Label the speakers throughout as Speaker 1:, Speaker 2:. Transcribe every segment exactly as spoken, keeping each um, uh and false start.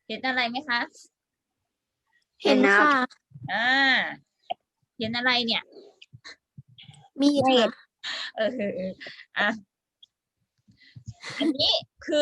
Speaker 1: เห็นอะไรไหมคะ
Speaker 2: เห็นค่ะ
Speaker 1: อ่าเห็นอะไรเนี่ย
Speaker 2: มีดค่ะ
Speaker 1: เอออ่ะอันนี้คือ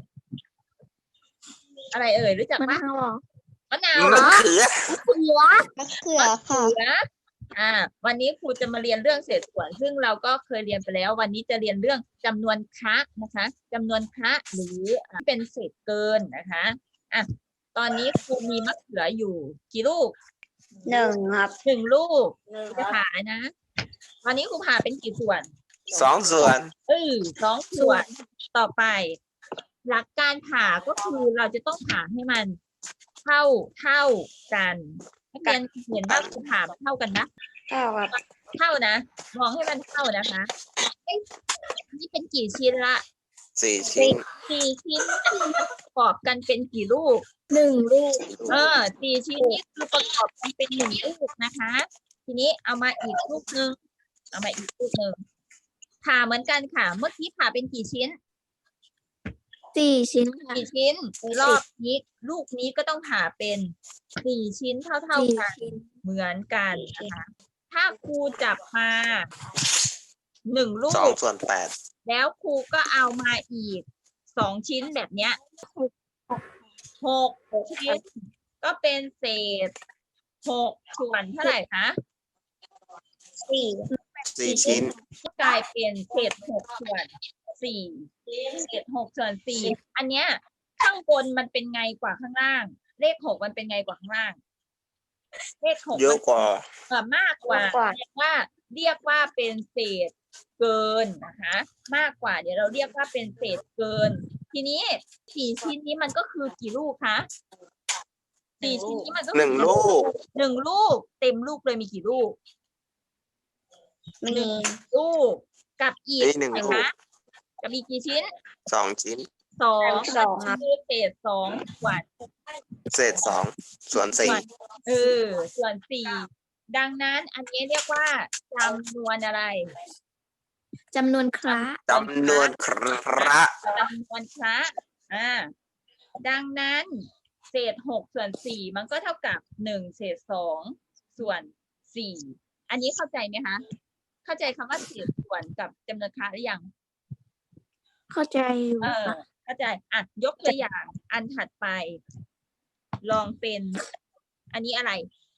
Speaker 1: อะไรเอ่ยรู้จัก
Speaker 2: มะ
Speaker 1: ไหม
Speaker 2: นาวเหรอ
Speaker 1: มะนาว
Speaker 3: มะเขือ
Speaker 2: เขือมะเขือ
Speaker 1: มะ
Speaker 2: ค่ะ
Speaker 1: เขืออ่า วันนี้ครูจะมาเรียนเรื่องเศษส่วน ซึ่งเราก็เคยเรียนไปแล้ว วันนี้จะเรียนเรื่องจำนวนคละนะคะจำนวนคละหรือเป็นเศษเกินนะคะอ่ะตอนนี้ครูมีมะเขืออยู่กี่ลูก
Speaker 2: หนึ่งครับ
Speaker 1: หนึ่งลูกจะผ่านะตอนนี้ครูผ่าเป็นกี่ส่วน
Speaker 3: สองส่วน
Speaker 1: เออสองส่วนต่อไป หลักการผ่าก็คือเราจะต้องผ่าให้มันเท่าเท่ากันนักเรียนเห็นว่าครูผ่ามันเท่ากันนะ
Speaker 2: เก้าครับ
Speaker 1: เท่านะมองให้มันเท่านะคะเอ๊ะนี่เป็นกี่ชิ้นละ
Speaker 3: สี่ชิ้น
Speaker 1: สี่ชิ้นประกอบกันเป็นกี่ลูก
Speaker 2: หนึ่งลูก
Speaker 1: เออสี่ชิ้นนี้คือประกอบกันเป็นหนึ่งลูกนะคะ ทีนี้เอามาอีกลูกหนึ่งเอามาอีกลูกหนึ่งผ่าเหมือนกันค่ะ เมื่อกี้ผ่าเป็นกี่ชิ้น
Speaker 2: สี่ชิ้นค่ะ
Speaker 1: สี่ชิ้นรอบนี้ลูกนี้ก็ต้องผ่าเป็นสี่ชิ้นเท่าเท่า
Speaker 2: สี่
Speaker 1: กัน
Speaker 2: ชิ้น
Speaker 1: เหมือนกันนะคะ ถ้าครูจับมาหนึ่งลู
Speaker 3: สอง
Speaker 1: ก
Speaker 3: ส่วนแปด
Speaker 1: แล้วครูก็เอามาอีกสองชิ้นแบบเนี้ยหกชิ้นก็เป็นเศษหกส่วนเท่าไหร่คะ
Speaker 2: สี่
Speaker 3: สี่ชิ้น
Speaker 1: กลายเป็นเศษหกส่วนสี่เศษหกส่วนสี่อันเนี้ยข้างบนมันเป็นไงกว่าข้างล่าง เลขหกมันเป็นไงกว่าข้างล่าง เลขหก
Speaker 3: เยอะกว่า
Speaker 1: เออมากกว่าเรียกว่าเรียกว่าเป็นเศษเกินนะคะ มากกว่าเดี๋ยวเราเรียกว่าเป็นเศษเกิน ทีนี้สี่ชิ้นนี้มันก็คือกี่ลูกคะสี่ชิ้นนี้มันก็คือ
Speaker 3: หนึ่งลูก
Speaker 1: หนึ่งลูกเต็มลูกเลยมีกี่ลูก
Speaker 2: มี
Speaker 1: หนึ่งลูกกับอีก
Speaker 3: นี่หนึ่ง
Speaker 1: ไหน
Speaker 3: ลูก
Speaker 1: คะกับอีกกี่ชิ้น
Speaker 3: สองชิ้น
Speaker 1: สอง
Speaker 2: สองครับ
Speaker 1: คือเศษสองส่วน
Speaker 3: เศษสองส่วนสี่
Speaker 1: เออส่วนสี่ดังนั้นอันนี้เรียกว่าจำนวนอะไร
Speaker 2: จำนวนคระ
Speaker 3: จำนวนคระ
Speaker 1: จำนวนคละอ่าดังนั้นเศษหกส่วนสี่มันก็เท่ากับหนึ่งเศษสองส่วนสี่อันนี้เข้าใจไหมคะ เข้าใจคำว่าเศษส่วนกับจำนวนคละหรือยัง
Speaker 2: เข้าใจอยู่
Speaker 1: เออ
Speaker 2: ค่ะ
Speaker 1: เข้าใจอ่ะยกตัวอย่างอันถัดไป ลองเป็น อันนี้อะไร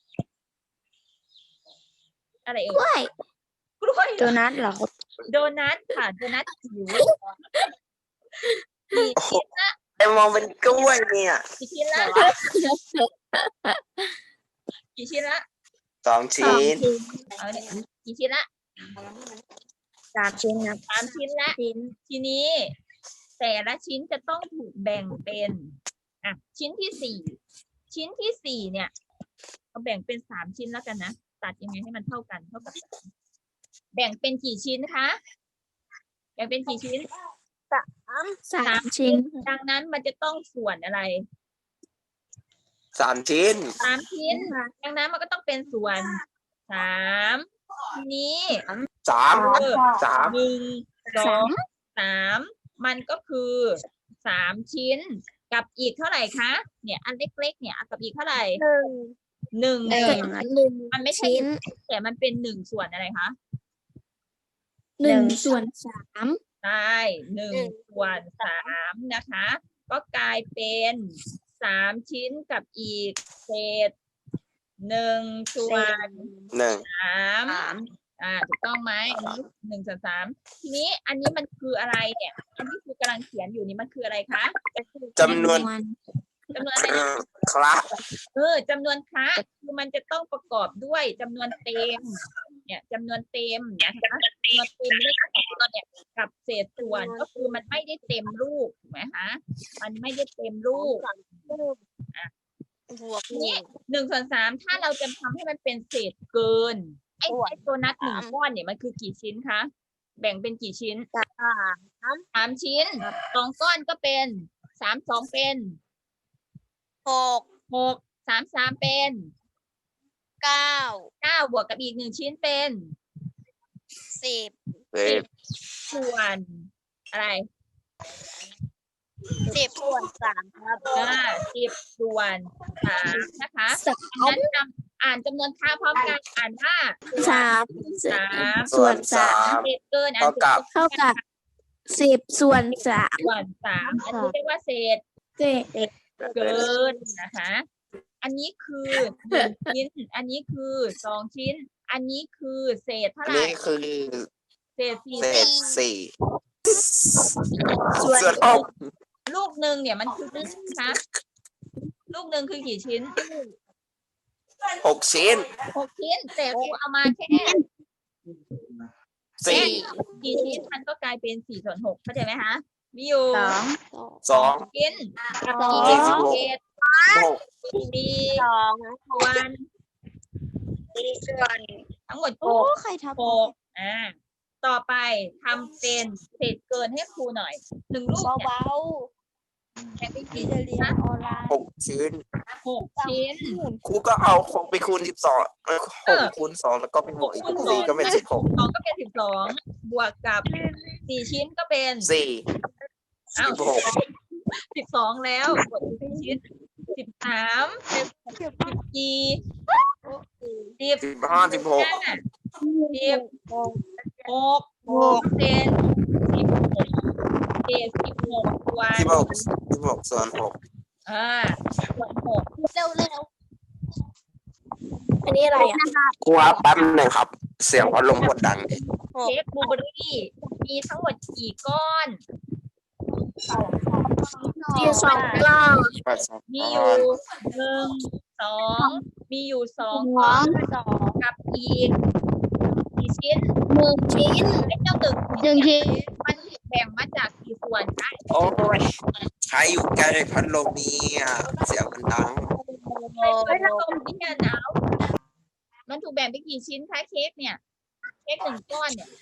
Speaker 1: อะไรเอ่
Speaker 2: กล้
Speaker 1: ย
Speaker 2: วย
Speaker 1: กล้วย
Speaker 2: โดนัทเหรอครับ
Speaker 1: โดนัทค่ะโดนัทจิ๋วกี่ชิ้นละ
Speaker 3: ไอมองเป็นกล้วยเนี่ย
Speaker 1: กี่ชิ้นละกี่ชิ้นละ
Speaker 3: สอง
Speaker 2: สอง
Speaker 3: ชิ้น
Speaker 2: ชิ้น
Speaker 1: เอาเนี่ยกี่ชิ้นละ
Speaker 2: สามชิ้นครับ
Speaker 1: สามชิ้นละ
Speaker 2: ชิ้น
Speaker 1: ทีนี้ แต่ละชิ้นจะต้องถูกแบ่งเป็นอ่ะชิ้นที่สี่ชิ้นที่สี่เนี่ยเราแบ่งเป็นสามชิ้นแล้วกันนะตัดยังไงให้มันเท่ากันเท่ากับสามแบ่งเป็นกี่ชิ้นคะแบ่งเป็นกี่ชิ้น
Speaker 2: สามชิ้น
Speaker 1: ดังนั้นมันจะต้องส่วนอะไร
Speaker 3: สามชิ้น
Speaker 1: สามชิ้น ดังนั้นมันก็ต้องเป็นส่วนสามทีนี้
Speaker 3: สาม
Speaker 1: เออ
Speaker 3: สาม
Speaker 1: หนึ่งสอ
Speaker 2: สาง ม
Speaker 1: สามมันก็คือสามชิ้นกับอีกเท่าไหร่คะเนี่ยอันเล็กๆเนี่ยกับอีกเท่าไหร่
Speaker 2: หนึ่ง
Speaker 1: หนึ่ง
Speaker 2: หนึ่ง
Speaker 1: มันไม่ใช่
Speaker 2: ชิ้น
Speaker 1: แต่มันเป็นหนึ่งส่วนอะไรคะ
Speaker 2: หนึ่งส่วนสาม
Speaker 1: ใช่หนึ่งส่วนสามนะคะ ก็กลายเป็นสามชิ้นกับอีกเศษหนึ่งส่วน
Speaker 3: หนึ่ง
Speaker 1: สามอ่าถูกต้องไหมอันนี้หนึ่งส่วนสามทีนี้อันนี้มันคืออะไรเนี่ย อันนี้คือกำลังเขียนอยู่นี่มันคืออะไรคะ
Speaker 3: จำนวน
Speaker 1: จำนวน
Speaker 3: ค
Speaker 1: อะไรนะ
Speaker 3: คระ
Speaker 1: เออจำนวนคละคือมันจะต้องประกอบด้วยจำนวนเต็ม เนี่ยจำนวนเต็มนะคะจำนวนเต็มเลขสองเนี่ยกับเศษส่วนก็คือมันไม่ได้เต็มรูปถูกไหมคะมันไม่ได้เต็มรูปทีนี้หนึ่งส่วนสามถ้าเราจะทำให้มันเป็นเศษเกินไอ้ไอ้ตัวนัดหนึ่งก้อนเนี่ยมันคือกี่ชิ้นคะแบ่งเป็นกี่ชิ้นสามชิ้นสองก้อนก็เป็นสามสองเป็น
Speaker 2: หก
Speaker 1: หกสามสามเป็น
Speaker 2: เก้า
Speaker 1: เก้าบวกกับอีกหนึ่งชิ้นเป็น
Speaker 2: สิบ
Speaker 3: สิบ
Speaker 1: ส่วนอะไร
Speaker 2: สิบส่วนสามครับ
Speaker 1: อ่าสิบส่วนสามนะคะงั้นจำอ่านจำนวนค่าพร้อมกันอ่านว่า
Speaker 2: สาม
Speaker 1: สาม
Speaker 3: ส่วนสาม
Speaker 1: เศษเกินอ่าน
Speaker 3: เท่ากับ
Speaker 2: เท่ากับสิบส่วนสาม
Speaker 1: ส่วนสามอันนี้เรียกว่าเศษ
Speaker 2: เจ็ด
Speaker 1: เกินนะคะ อันนี้คือหนึ่งชิ้น อันนี้คือสองชิ้น อันนี้คือเศษเท่า
Speaker 3: อัน
Speaker 1: ไหร่
Speaker 3: นี้คือ
Speaker 1: เศษสี่
Speaker 3: เศษสี่
Speaker 2: ส่วน
Speaker 3: ส่วนหก
Speaker 1: ลูกหนึ่งเนี่ยมันคือนะคะลูกหนึ่งคือกี่ชิ้น
Speaker 3: หกชิ้น
Speaker 1: หกชิ้น แต่ครูเอามาแค่
Speaker 3: สี่
Speaker 1: กี่ชิ้นมันก็กลายเป็นสี่ส่วนหกเข้าใจไหมคะมีอยู่
Speaker 2: สอง
Speaker 3: สอง
Speaker 1: ชิ้น
Speaker 2: สอ
Speaker 1: กี่
Speaker 2: ง
Speaker 1: ชิ้นเศษ
Speaker 3: หก
Speaker 1: สี่
Speaker 2: สอง
Speaker 1: ส่วน
Speaker 2: สี่ส่วน
Speaker 1: ทั้งหมดห
Speaker 2: โอ้
Speaker 1: ก
Speaker 2: ใครทำ
Speaker 1: หกอ่าต่อไปทำเป็นเศษเกินให้ครูหน่อยหนึ่งลูกเนี่ย
Speaker 2: เบา
Speaker 1: แบ่งเป็น
Speaker 2: ๆ
Speaker 1: กี่
Speaker 2: ที่จะ
Speaker 1: ชิ้น
Speaker 2: เรียน
Speaker 1: นะ
Speaker 2: ออนไลน์
Speaker 3: หกชิ้น
Speaker 1: หกชิ้น
Speaker 3: ครูก็เอาหกไปคูณสิบสองหกคูณสองแล้วก็เป็นหกอีกสี่ก็เป็นสิบหก
Speaker 1: สองก็เป็นสิบสองบวกกับสี่ชิ้นก็เป็น
Speaker 3: สี่
Speaker 1: อ้าว
Speaker 3: สิบหก
Speaker 1: สิบสองแล้วบวกสี่ชิ้นสิบสามเป็นสิบสี่สิบ
Speaker 3: สิบห้าสิบหก
Speaker 1: ห้าสิบหกหกเป็นสิบหกเศษสิบหกส่วน
Speaker 3: สิบหกสิบหกส่วนหก
Speaker 1: อ่าส่วนหก
Speaker 2: เร็วเร็วอันนี้อะไรอ่ะ
Speaker 3: ครูครับแป๊บหนึงครับ เสียงพัดลมกดดังดิ
Speaker 1: เค้กบลูเบอร์รี่มีทั้งหมดกี่ก้อน
Speaker 2: มีสองกล้อง
Speaker 1: มีอยู่หนึ่งสองมีอยู่สอง
Speaker 2: ส
Speaker 1: ก้อ
Speaker 2: อง
Speaker 1: น
Speaker 2: สอง
Speaker 1: กับอีกกี่ชิ้น
Speaker 2: หนึ่งชิ้น
Speaker 1: ไอ้เจ้าหนึ่ง
Speaker 2: หนึ่งชิ้น
Speaker 1: มันแบ่งมาจากกี่ส่วนคะ
Speaker 3: โอ้ยใครอยู่ใกล้พัดลมเนี่ยเสียงมันดัง
Speaker 1: ไอ้พัดลมที่เนี่ยหนาวมันถูกแบ่งเป็นกี่ชิ้นคะเค้กเนี่ยเค้กหนึ่งก้อนเนี่ย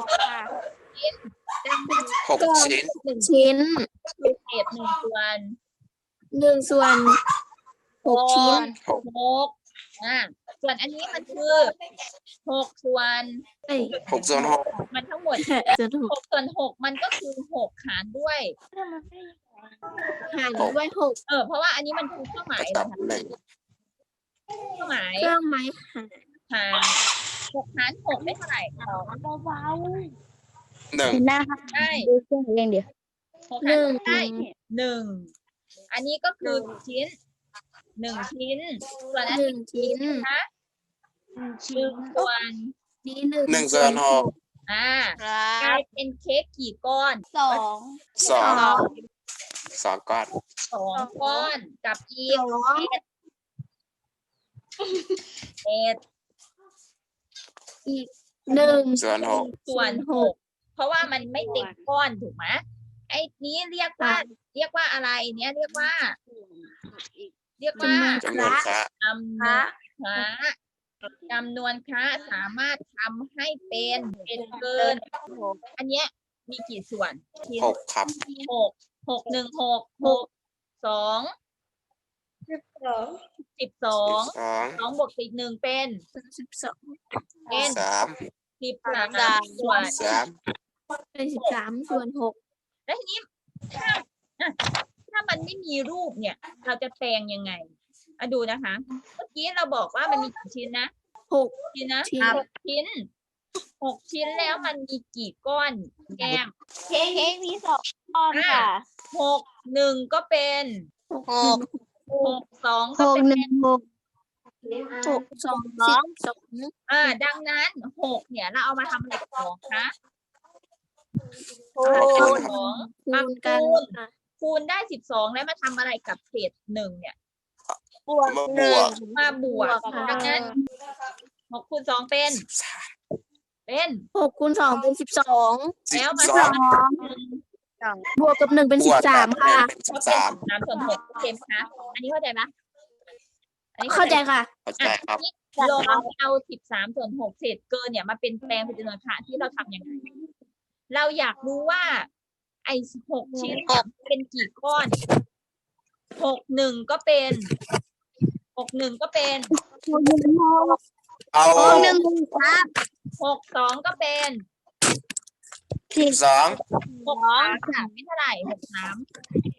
Speaker 1: ดังนั้น
Speaker 3: หกชิ้น
Speaker 1: หนึ่ง
Speaker 2: ชิ้น
Speaker 1: คือเศษหนึ่งส่วน
Speaker 2: หนึ่งส่วนหกชิ้น
Speaker 1: หกอ่าส่วนอันนี้มันคือหกส่วน
Speaker 2: เอ้ย
Speaker 3: หกส่วนหก
Speaker 1: มันทั้งหมด
Speaker 2: ส่วนหก
Speaker 1: หกส่วนหกมันก็คือหกหารด้วย
Speaker 2: หารด้วยหก
Speaker 1: เออเพราะว่าอันนี้มันคือเครื่องหมาย
Speaker 3: ตั
Speaker 1: นะ
Speaker 3: บ
Speaker 1: คะ
Speaker 3: หนึ่ง
Speaker 1: เครื่องหมาย
Speaker 2: เครื่องไม้หาร
Speaker 1: หารหกหารหกได้เท่าไหร่สอง
Speaker 2: เบา
Speaker 3: หนึ่ง
Speaker 2: ๆหน้าค่ะ
Speaker 1: ได้
Speaker 2: ดูเครื่องเองเดี๋ยว
Speaker 1: หกหารได้หนึ่งอันนี้ก็คือชิ้นหนึ่งชิ้น ส่วนอัน
Speaker 2: ห
Speaker 1: นี้
Speaker 2: นึ่งชิ้น
Speaker 1: นะคะหนึ่งส่วน
Speaker 2: นี้หนึ่ง
Speaker 3: หนึ่งส่วนหก
Speaker 1: อ่ากลายเป็นเค้กกี่ก้อน
Speaker 2: สอง
Speaker 3: สองสองก้อน
Speaker 1: สองก้อนกับอีก
Speaker 2: สอง
Speaker 1: เศษ
Speaker 2: อีกหนึ่ง
Speaker 3: ส่วนหก
Speaker 1: ส่วนหกเพราะว่ามันไม่ติดก้อนถูกไหมไอ้นี้เรียกว่า เรียกว่าอะไรเนี้ยเรียกว่า เรียกว่า
Speaker 3: จำนวนคระ
Speaker 1: จำนวนคระจำนวนคระสามารถทำให้เป็นเป็นเกิน อันเนี้ยมีกี่ส่วนชิ้น
Speaker 3: หกครับ
Speaker 1: หกหกหนึ่งหกหกสองสิบสอง
Speaker 3: สอง
Speaker 1: สองบวกสิบหนึ่งเป็น
Speaker 2: สิบสอง
Speaker 1: เป็น
Speaker 3: สาม
Speaker 1: สิบสามส่วน
Speaker 3: สาม
Speaker 2: เป็นสิบสามส่วนหก
Speaker 1: แล้วทีนี้ถ้าอ่ะถ้ามันไม่มีรูปเนี่ย เราจะแปลงยังไงอะดูนะคะ เมื่อกี้เราบอกว่ามันมีกี่ชิ้นนะ
Speaker 2: หก
Speaker 1: ชิ้นนะ
Speaker 2: ชิ้น
Speaker 1: หกชิ้นหกชิ้นแล้วมันมีกี่ก้อนแก้ม
Speaker 2: เค้กมีสองก้อนค่ะ
Speaker 1: หกหนึ่งก็เป็น
Speaker 2: หก
Speaker 1: หกสอง
Speaker 2: ห
Speaker 1: ก็
Speaker 2: ก
Speaker 1: เป็น
Speaker 2: หนึ่งหกหกสองสิบสอง
Speaker 1: อ่า ดังนั้นหกเนี่ยเราเอามาทำอะไรกับสองคะ
Speaker 2: คู
Speaker 1: เอา
Speaker 2: ณ
Speaker 1: สอง
Speaker 2: คู
Speaker 1: มา
Speaker 2: ณกัน
Speaker 1: คูณ
Speaker 2: ค่ะ
Speaker 1: คูณได้สิบสองแล้วมาทำอะไรกับเศษหนึ่งเนี่ย
Speaker 2: บวก
Speaker 3: มา
Speaker 2: ห
Speaker 3: บ
Speaker 2: นึ่
Speaker 3: ว
Speaker 2: ง
Speaker 3: ก
Speaker 1: มาบวก
Speaker 2: บวกค่ะ
Speaker 1: ดังนั้นหกคูณสองเป็น
Speaker 3: สิบสาม
Speaker 1: เป็น
Speaker 2: หกคูณสองเป็นสิบสอง
Speaker 3: สิบ
Speaker 1: แล้วมา
Speaker 3: สอง
Speaker 1: ทำหนึ่ง
Speaker 2: บวกกับหนึ่งเป็น
Speaker 3: บ
Speaker 2: สิ
Speaker 3: ว
Speaker 2: บ
Speaker 3: ก
Speaker 2: สาม
Speaker 3: กับ
Speaker 2: ค่ะ
Speaker 3: เป็นสิ
Speaker 1: ก็
Speaker 3: บ
Speaker 1: เป็น
Speaker 3: สาม
Speaker 1: สามส่วนหกโอเคไหมคะอันนี้เข้าใจไหมอันนี้
Speaker 2: เข้าใจค่ะ
Speaker 3: เข้าใจครับ
Speaker 1: ลองเอาสิบสามส่วนหกเศษเกินเนี่ยมาเป็นแปลงเป็นจำนวนคระที่เราทำยังไง เราอยากรู้ว่า ไอ้หกชิ้นเนี่ยเป็นกี่ก้อนหกหนึ่งก็เป็นหกหนึ่งก็เป็น
Speaker 3: เอา
Speaker 2: หกหนึ่งครับ
Speaker 1: หกสองก็เป็น
Speaker 3: สิบสอง
Speaker 1: หกสามค่ะไม่เท่าไหร่หกสาม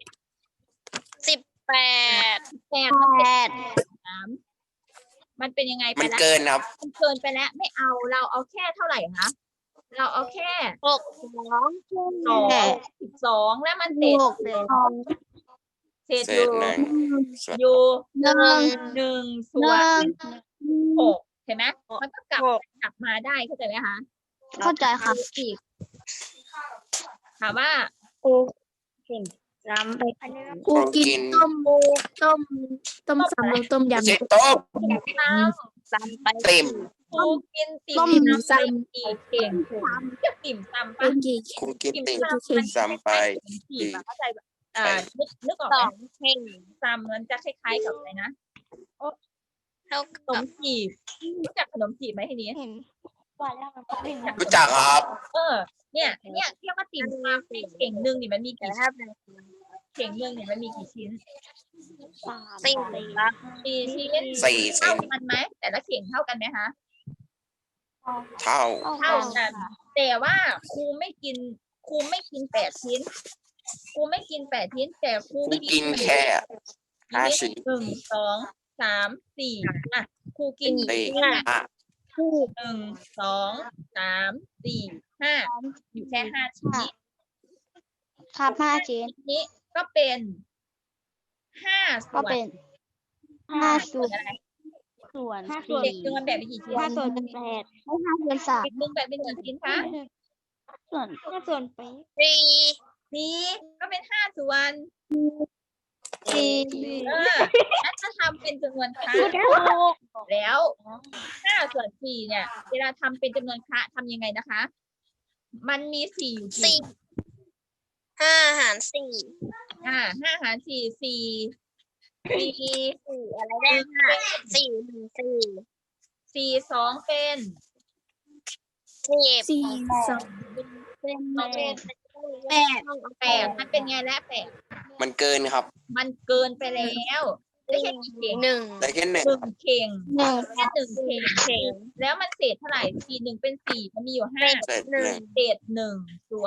Speaker 4: แปด
Speaker 1: แปดมันเป็นสามมันเป็นยังไงไป
Speaker 3: มัน
Speaker 1: แล้ว
Speaker 3: เกินครับ
Speaker 1: มันเกินไปแล้วไม่เอาเราเอาแค่เท่าไหร่คะเราเอาแค่
Speaker 4: หกสอง
Speaker 1: สองสิบสองแล้วมันเศษ
Speaker 2: หกสอง
Speaker 1: เศษ
Speaker 3: เศ
Speaker 1: อยู่
Speaker 3: ษหนึ่งส่วน
Speaker 1: อยู่
Speaker 2: หนึ่ง
Speaker 1: หนึ่งส่
Speaker 2: ห
Speaker 1: วน
Speaker 2: นึ่ง
Speaker 1: หกเห็นไหมมันก็กลับกลับมาได้เข้าใจไหมคะ
Speaker 2: เข้าใจค่ะ
Speaker 1: อีกถามว่า
Speaker 4: จำไป
Speaker 2: กูกินต้มต้มต้มซำหรือต้มยำ
Speaker 3: เจ็ดโต๊ะ
Speaker 1: ตาม
Speaker 4: จำไป
Speaker 3: เต็ม
Speaker 1: ครูกินติ่
Speaker 2: ต้
Speaker 1: ม
Speaker 2: ม
Speaker 1: ซำ
Speaker 2: ซ
Speaker 1: ไปกี่เข่งจะติ่มซำ
Speaker 2: ำ
Speaker 1: ปะ
Speaker 2: กูกี่
Speaker 3: ครูกิน
Speaker 1: ติ่ม
Speaker 3: ติ่ง
Speaker 1: ซำมัน
Speaker 3: ซ้ำไป
Speaker 1: คล้ายๆขนมจีบอะเข้าใจแบบอ่านึกนึกออก
Speaker 4: ส
Speaker 1: ไหม
Speaker 4: องเข่ง
Speaker 1: ซำมันจะคล้ายๆกับอะไรนะ
Speaker 4: เท่า
Speaker 1: ขน
Speaker 4: กับ
Speaker 1: มจีบรู้จักขนมจีบไหมทีนี้
Speaker 4: ว่าแล้วมันเป็น
Speaker 3: รู้จักครับ
Speaker 1: เออ เนี่ย เนี่ยเรียกว่าติ่มซำเข่งหนึ่งนี่มันมี
Speaker 4: แต่
Speaker 1: กี่
Speaker 4: ถ้าเป็น
Speaker 1: เข่งหนึ่งนี่มันมีกี่ชิ้น
Speaker 4: สี่ครับ
Speaker 1: สี่ชิ้น
Speaker 3: สี่
Speaker 1: เท่า
Speaker 3: เส้น
Speaker 1: กันไหมแต่ละเข่งเท่ากันไหมคะ
Speaker 3: เท่า
Speaker 1: เท่ากัน แต่ว่าครูไม่กินครูไม่กินแปดชิ้นครูไม่กินแปดชิ้น แต่ครู
Speaker 3: ครูกินแค่ห้าชิ้น
Speaker 1: หนึ่งสองสามสี่อ่ะครูกิน
Speaker 3: สี่
Speaker 1: ห้า
Speaker 3: ห้า
Speaker 1: หนึ่งสองสามสี่ห้าอยู่แค่ห้าชิ้นนี้
Speaker 2: ครับห้าชิ้น
Speaker 1: นี้ก็เป็นห้าส่
Speaker 2: ก็
Speaker 1: วน
Speaker 2: เป็นห้าส่วน
Speaker 1: อะไร
Speaker 2: ส่วน
Speaker 1: เด็กหนึ่งมันแบ่งเป็นกี่ชิ้น
Speaker 2: ห้าส่วนเป็นแปดให้ห้าส่วนสาม
Speaker 1: เด็กหนึ่งแบ่งเป็นกี่ชิ้นคะ
Speaker 2: ส่วนห้าส่วนไป
Speaker 4: สี่
Speaker 1: นี่ก็เป็นห้าส่วน
Speaker 2: สี่
Speaker 1: เออแล้วถ้าทำเป็นจำนวนครั้งแล้วห้าส่วนสี่เนี่ย เวลาทำเป็นจำนวนคระทำยังไงนะคะ มันมีสี่อยู่
Speaker 4: สี่
Speaker 1: กี่
Speaker 4: ห้าหารสี่
Speaker 1: อ่าห้าหารสี่สี่สี่
Speaker 4: สี่อะไรได้ห้าสี่หนึ่งสี่
Speaker 1: สี่สองเป็น
Speaker 4: สิบ
Speaker 2: สี่สอง
Speaker 4: เป็น
Speaker 1: สองเป็น
Speaker 4: แปด
Speaker 1: แปดมันเป็นไงและแปด
Speaker 3: มันเกินครับ
Speaker 1: มันเกินไปแล้วได้แค่กี่เข่ง
Speaker 4: หนึ่ง
Speaker 3: ได้แค่หนึ่ง
Speaker 1: หนึ่งเข่ง
Speaker 2: หนึ่ง
Speaker 1: แค่หนึ่งเข่งเข่งแล้วมันเศษเท่าไหร่สี่หนึ่งเป็นสี่มันมีอยู่ห้า
Speaker 3: เศษหนึ่ง
Speaker 1: เศษหนึ่งส่วน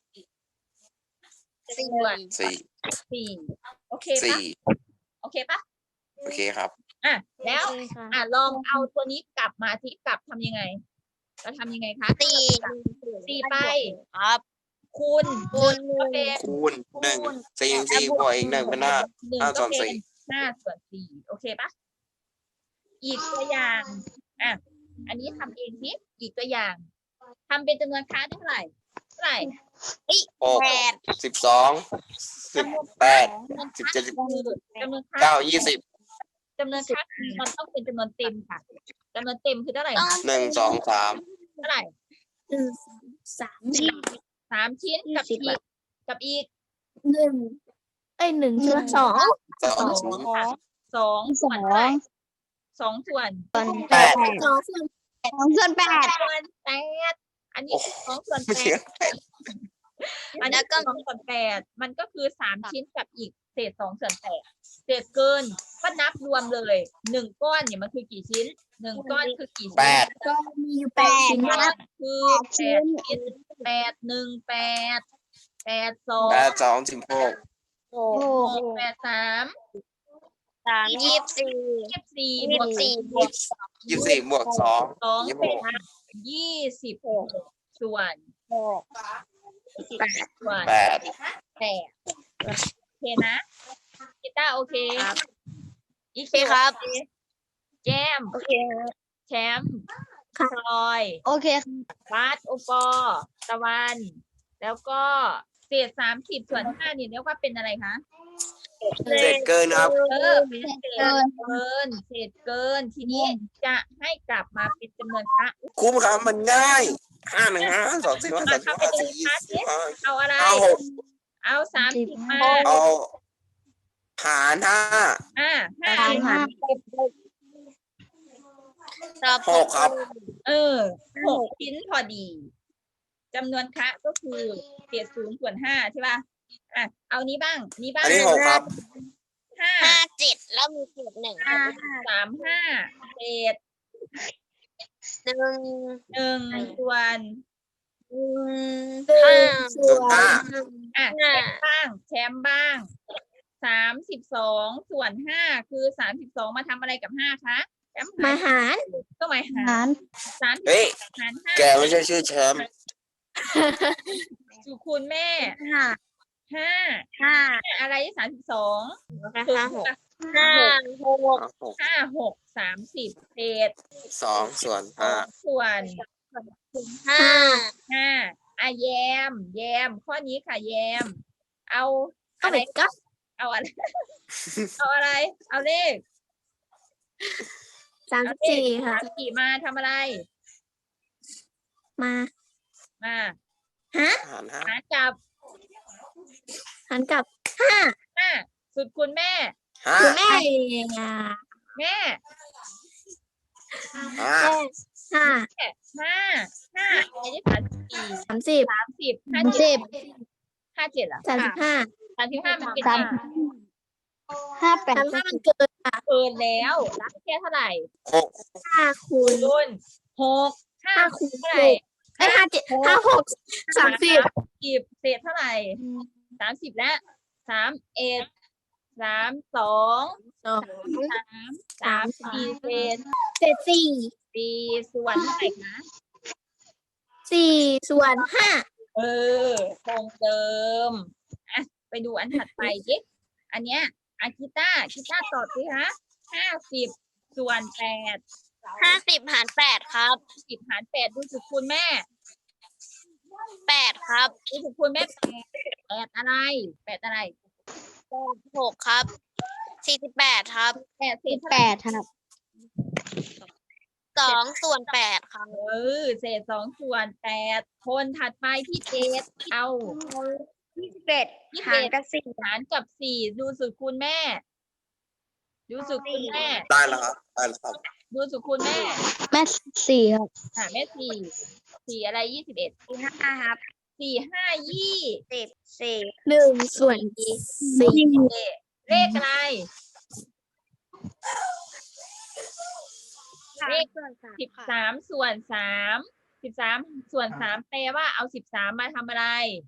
Speaker 4: สี่
Speaker 1: ส่วน
Speaker 3: สี่
Speaker 1: สี่โอเคปะ
Speaker 3: สี่
Speaker 1: โอเคปะ
Speaker 3: โอเคครับ
Speaker 1: อ่ะแล้วอ่ะลองเอาตัวนี้กลับมาที่กลับทำยังไงเราทำยังไงคะ
Speaker 4: สี่
Speaker 1: สี่ไป
Speaker 4: ครับ
Speaker 1: คูณ
Speaker 4: คูณ
Speaker 1: ก็เป็น
Speaker 3: คูณหนึ่งสี่สี่บวกอีกหนึ่งเป็นห้า
Speaker 1: หนึ่ง
Speaker 3: ห้าส่
Speaker 1: ก็
Speaker 3: วน
Speaker 1: เป็
Speaker 3: สี่
Speaker 1: นห้าส่วนสี่โอเคปะอีกตัวอย่างอ่ะอันนี้ทำเองสิอีกตัวอย่างทำเป็นจำนวนค้าเท่าไหร่เท่าไหร่
Speaker 3: หก
Speaker 4: แปด
Speaker 3: สิบสองสิบแปด
Speaker 1: จำนวน
Speaker 3: สิบ
Speaker 1: ค้า
Speaker 3: เจ็ดสิบ
Speaker 1: คือจำนวนค้า
Speaker 3: เก้ายี่สิบ
Speaker 1: จำนวนค้าคือมันต้องเป็นจำนวนเต็มค่ะจำนวนเต็มคือเท่าไหร่คะ
Speaker 3: หนึ่งสองสาม
Speaker 1: เท่าไหร่
Speaker 2: หนึ่งสามสี่
Speaker 1: สามชิ้นกับ
Speaker 2: ยี่
Speaker 1: อี
Speaker 2: สิบ
Speaker 1: กกับอีก
Speaker 2: หนึ่งไอ้ยหนึ่งส่วนสอง
Speaker 3: สอง
Speaker 1: สอง
Speaker 3: ชิ้น
Speaker 1: ค่ะสองส่วนเท่าไหร่สองส่วน
Speaker 3: แปด
Speaker 2: สองส่วนสองส่วนแปด
Speaker 1: ส่วนแปดอันนี้คือสองส่วน
Speaker 3: ไม่
Speaker 1: แป
Speaker 3: ใช่
Speaker 1: ดอันนี้ก็สองส่วนแปดมันก็คือสามชิ้นกับอีกเศษสองส่วนแปดเศษเกินก็นับรวมเลยหนึ่งก้อนเนี่ยมันคือกี่ชิ้นหนึ่งก้อนคือกี่ชิ้น
Speaker 3: แปด
Speaker 2: ก็มีอยู่แปดชิ้น
Speaker 1: ก้
Speaker 2: นะ
Speaker 1: อนคือแปดชิ้นแปดหนึ่งแปดแปดสอง
Speaker 3: แปดสองสิบหก
Speaker 4: หก
Speaker 2: โอ้
Speaker 1: หกแปดสาม
Speaker 4: สามยี่สิบสี่
Speaker 1: ยี่สิบสี่
Speaker 4: ยี่
Speaker 1: บว
Speaker 4: สิ
Speaker 1: ก
Speaker 4: บสี่
Speaker 1: สี่
Speaker 4: บวก
Speaker 3: ยี่สิบสี่บวกสอง
Speaker 1: สอง
Speaker 3: ยี่สิบ
Speaker 1: เป็
Speaker 3: ห
Speaker 1: น
Speaker 3: ก
Speaker 1: ยี่สิบหกส่วน
Speaker 4: หก
Speaker 1: ส่วน
Speaker 3: แปด
Speaker 1: แปดโอเคนะกีตาร์โอเคอี
Speaker 4: โอเคครับ
Speaker 1: โอเคแจม
Speaker 4: โอเค
Speaker 1: แชมป์พลอย
Speaker 2: โอเค
Speaker 1: บาสโอปอตะวัน แล้วก็เศษสามสิบส่วนห้านี่เรียกว่าเป็นอะไรคะ
Speaker 3: เศษเกินครับ
Speaker 1: เออเป็นเศษเกินเศษเกินทีนี้จะให้กลับมาเป็นจำนวนพระ
Speaker 3: คุ้มครับมันง่ายห้าหนึ่งห้าสองสี่ห้าสามสิบห้าสี่ยี่สิบห้า
Speaker 1: เอาอะไร
Speaker 3: เอาหก
Speaker 1: เอาสามสิบมา
Speaker 3: เอาหารห้า
Speaker 1: อ่าห้า
Speaker 2: สามห้า
Speaker 3: หกครับ
Speaker 1: เออหกชิ้นพอดีจำนวนคะก็คือเศษศูนย์ส่วนห้าใช่ป่ะอ่ะเอานี้บ้างนี้บ้าง
Speaker 3: อันนี้หกครับ
Speaker 1: ห้า
Speaker 4: ห้าเจ็ดแล้วมีเศษหนึ่ง
Speaker 1: สามห้าเศษ
Speaker 4: หนึ่ง
Speaker 1: หนึ่งส่วน
Speaker 4: หนึ่งห้า
Speaker 3: ส่วนห้า
Speaker 1: อ่ะแชมป์บ้างแชมป์บ้างสามสิบสองส่วนห้าคือสามสิบสองมาทำอะไรกับห้าคะแชมป์
Speaker 2: มาหาร
Speaker 1: ก็หมายหารสามสิบ
Speaker 3: เฮ้ย
Speaker 1: หารห้า
Speaker 3: แกไม่ใช่ชื่อแชมป์
Speaker 1: สุคูณแม่
Speaker 4: ห้า
Speaker 1: ห้า
Speaker 4: ห้า
Speaker 1: อะไรสามสิบสอง
Speaker 4: ห้าหกห้าหก
Speaker 3: หก
Speaker 1: ห้าหกสามสิบเศษ
Speaker 3: สองส่วน
Speaker 1: สอ
Speaker 3: ห้าง
Speaker 1: ส่วน
Speaker 4: ห้า
Speaker 1: ห้าอ่ะแยม แยม ข้อนี้ค่ะแยม เอา
Speaker 2: ก็
Speaker 1: อะไร
Speaker 2: เป็นก็
Speaker 1: เอาอะไร เอาอะไร เอาเลข
Speaker 2: สามสิบสี่ค่ะ
Speaker 1: สามสี่มาทำอะไร
Speaker 2: มา
Speaker 1: มา
Speaker 2: ฮะ
Speaker 3: หารห้า
Speaker 1: หารกับ
Speaker 2: หันกับห้า
Speaker 1: ห้าสุดคุณแม่
Speaker 3: ห้า
Speaker 2: คุณแม่อ่ะ
Speaker 1: แม่
Speaker 3: ห้า
Speaker 2: ห้า
Speaker 1: ห้าห้าอะไรที่สามสิบสี่
Speaker 2: สามสิบ
Speaker 1: สามสิบห้าเจ็ดห้าเจ็ดเหรอ
Speaker 2: สามสิบห้า
Speaker 1: สามสิบห้ามันเป็น
Speaker 2: สาม
Speaker 1: ไง
Speaker 4: ห้าแปด
Speaker 2: สามสิบห้ามันเกินค่ะ
Speaker 1: เกินแล้วรับแค่เท่าไหร่
Speaker 3: หก
Speaker 2: ห้าคูณ
Speaker 1: คูณหกห้า
Speaker 2: ห้าคูณ
Speaker 1: เท่า
Speaker 2: ห
Speaker 1: ไหร่
Speaker 2: กไอ้ยห้าเจ็ดห้าหกสามสิบ
Speaker 1: สิบเศษเท่าไหร่สามสิบและสามเอ็ดสามสอง
Speaker 2: สอง
Speaker 1: สามสามสี่เศษ
Speaker 2: เศษสี่
Speaker 1: สี่ส่วนเท่าไหร่คะ
Speaker 2: สี่ส่วนห้า
Speaker 1: เออคงเดิมอ่ะไปดูอันถัดไปดิอันเนี้ยอากิต้ากีต้าตอบสิคะห้าสิบส่วนแปด
Speaker 4: ห้าสิบหารแปดครับ
Speaker 1: สิบหารแปดดูสุดคูณแม่
Speaker 4: แปดครับ
Speaker 1: ดูสุดคูณแม่แปดแปดอะไรแปดอะไร
Speaker 4: แปดหกครับสี่สิบแปดครับ
Speaker 1: แปดเศษเท่าไหร่
Speaker 2: ครับ
Speaker 4: สองส่วนแปดครับ
Speaker 1: เออเศษสองส่วนแปดคนถัดไปที่เจ็ดเอา
Speaker 4: ยี่สิบเอ็ด
Speaker 1: ยี่สิบ
Speaker 4: หาร
Speaker 1: เอ็ด
Speaker 4: กับสี่
Speaker 1: หารกับสี่ดูสุดคูณแม่ ดูสุดคูณแม่
Speaker 3: ได้แล้วครับได้แล้วครับ
Speaker 1: ดูสุดคูณแม่
Speaker 2: แม่สี่ครับ
Speaker 1: อ่าแม่สี่สี่อะไรยี่สิบเอ็ด
Speaker 4: สี่ห้าครับ
Speaker 1: สี่ห้ายี่
Speaker 4: สิบสี่
Speaker 2: หนึ่งส่วนสี่
Speaker 1: เลขอะไร เลข
Speaker 4: ส่วนสาม
Speaker 1: สิบสามส่วนสามสิบสามส่วนสามแปลว่าเอาสิบสามมาทำอะไร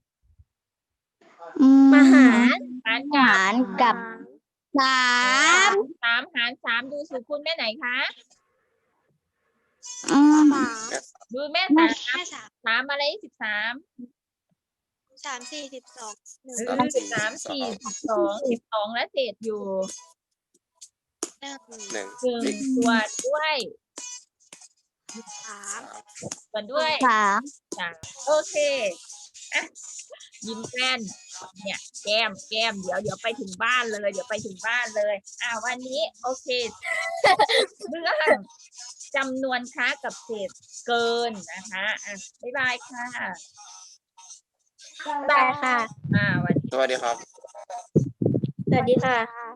Speaker 2: มาหาร
Speaker 1: หารกับ
Speaker 2: หารกับสาม
Speaker 1: สามหารสามดูสูตรคูณแม่ไหนคะ
Speaker 2: อืม
Speaker 1: ดูแม่สามสามอะไรสิบสาม
Speaker 4: สามสี่สิบสอง
Speaker 1: สิบสามสี่สิบสองสิบสองและเศษอยู่
Speaker 4: หนึ่ง
Speaker 3: หนึ่ง
Speaker 1: หนึ่งส่วนด้วย
Speaker 4: สาม
Speaker 1: ส่วนด้วย
Speaker 2: สาม
Speaker 1: สามโอเคอ่ะยิ้มแป้นเนี่ย แก้มแก้มเดี๋ยวเดี๋ยวไปถึงบ้านเลย เดี๋ยวไปถึงบ้านเลย อ่าวันนี้ โอเค เรื่องจำนวนค้ากับเศษเกินนะคะอ่ะบ๊ายบายค่ะ
Speaker 2: ได้ค่ะ
Speaker 1: อ่าวัน
Speaker 3: สวัสดีครับ
Speaker 2: สวัสดีค่ะ